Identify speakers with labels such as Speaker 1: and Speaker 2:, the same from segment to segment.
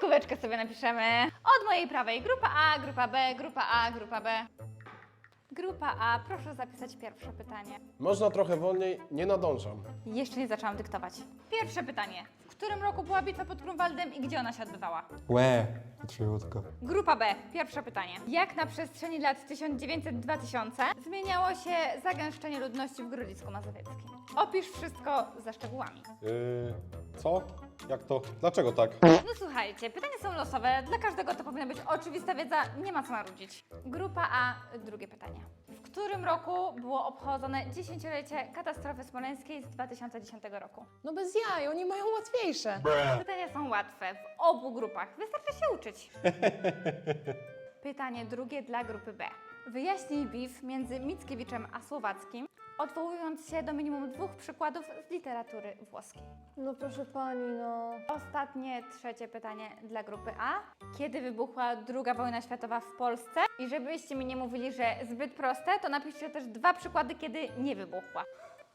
Speaker 1: Kreskóweczkę sobie napiszemy. Od mojej prawej grupa A, grupa B, grupa A, grupa B. Grupa A, proszę zapisać pierwsze pytanie.
Speaker 2: Można trochę wolniej, nie nadążam.
Speaker 1: Jeszcze nie zaczęłam dyktować. Pierwsze pytanie. W którym roku była bitwa pod Grunwaldem i gdzie ona się odbywała?
Speaker 3: Łe, krótko.
Speaker 1: Grupa B, pierwsze pytanie. Jak na przestrzeni lat 1900-2000 zmieniało się zagęszczenie ludności w Grodzisku Mazowieckim? Opisz wszystko ze szczegółami.
Speaker 2: Co? Jak to? Dlaczego tak?
Speaker 1: No słuchajcie, pytania są losowe, dla każdego to powinna być oczywista wiedza, nie ma co marudzić. Grupa A, drugie pytanie. W którym roku było obchodzone 10-lecie katastrofy smoleńskiej z 2010 roku?
Speaker 4: No bez jaj, oni mają łatwiejsze.
Speaker 1: Pytania są łatwe w obu grupach, wystarczy się uczyć. Pytanie drugie dla grupy B. Wyjaśnij beef między Mickiewiczem a Słowackim, odwołując się do minimum 2 przykładów z literatury włoskiej.
Speaker 4: No proszę pani, no.
Speaker 1: Ostatnie, trzecie pytanie dla grupy A. Kiedy wybuchła II wojna światowa w Polsce? I żebyście mi nie mówili, że zbyt proste, to napiszcie też 2 przykłady, kiedy nie wybuchła.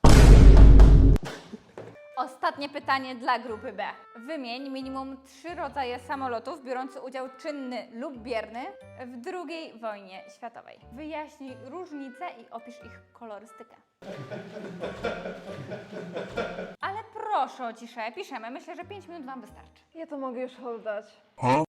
Speaker 1: Ostatnie pytanie dla grupy B. Wymień minimum 3 rodzaje samolotów biorący udział czynny lub bierny w II wojnie światowej. Wyjaśnij różnice i opisz ich kolorystykę. Ale proszę o ciszę, piszemy. Myślę, że 5 minut Wam wystarczy.
Speaker 4: Ja to mogę już oddać.